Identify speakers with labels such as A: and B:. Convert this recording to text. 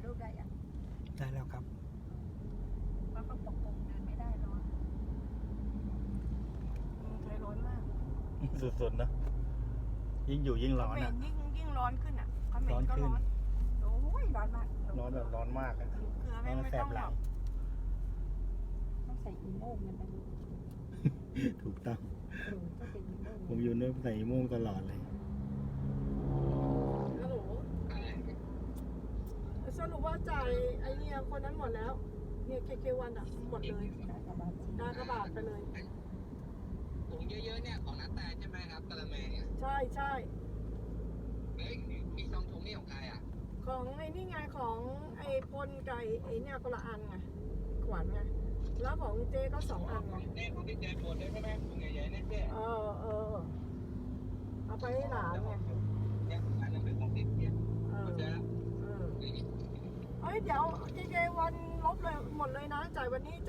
A: รูปได้ยัง
B: ได้แล้วครับ
A: เพราะเขาปกคลุมเดินไม่ได้ร้อนไทยร้อนมาก
B: สุดๆนะยิ่งอยู่ยิ่งร้อน
A: เขม
B: อ่ะ
A: รยิ่งร้อนขึ้นอ่ะเขมรก็
B: ร้
A: ร้
B: อ
A: อน น
B: ขึ้น
A: โอ้ยร้อนมาก
B: ร้อนแบบร้อนมากอ่ะ
A: เกลือไม่
B: ร้อนแส
A: ต้
B: บ
A: อง
B: ห
A: หร
B: ลั
A: อง กต้องใส่อีโม่งกันไปลูก
B: ถูกต้อง
A: ต้องเป็นอีโม่ง
B: ผมอยู่เนี่ยใส่โม่งตลอดเลย
C: ฮัลโหลสรุปว่าจ่ายไอเนี่ยคนนั้นหมดแล้ว เนี่ยเควันอ่ะหมดเลย
A: ได้กับบาจี
C: ได้กระบาดไปเลย
D: ถุงเยอะๆเนี่ยของนัตแต่ใช่ไหมครับกะละแมเนี่ย
C: ใช่ใช่
D: เฮ้ยมีซองถุงนี่ของใครอ่ะ
C: ของไอ้นี่ไงของไอ้พลไก่ไอ้เนี่ยคนละอันไงขวัญไงแล้วของเจ๊ก็2 อันไง
D: เนี่ยของที่เจนปวดด้วยใช่ไหมถุงใหญ่ๆเนี่ยเจ๊
C: เออเอาไปให้หลานไง
D: เนี่ยอันนั้นเป็นของติดเนี่ย
C: เออ
D: เข้าใจแล้ว
C: เออเฮ้ยเดี๋ยวเจวันลบเลยหมดเลยนะจ่ายวันนี้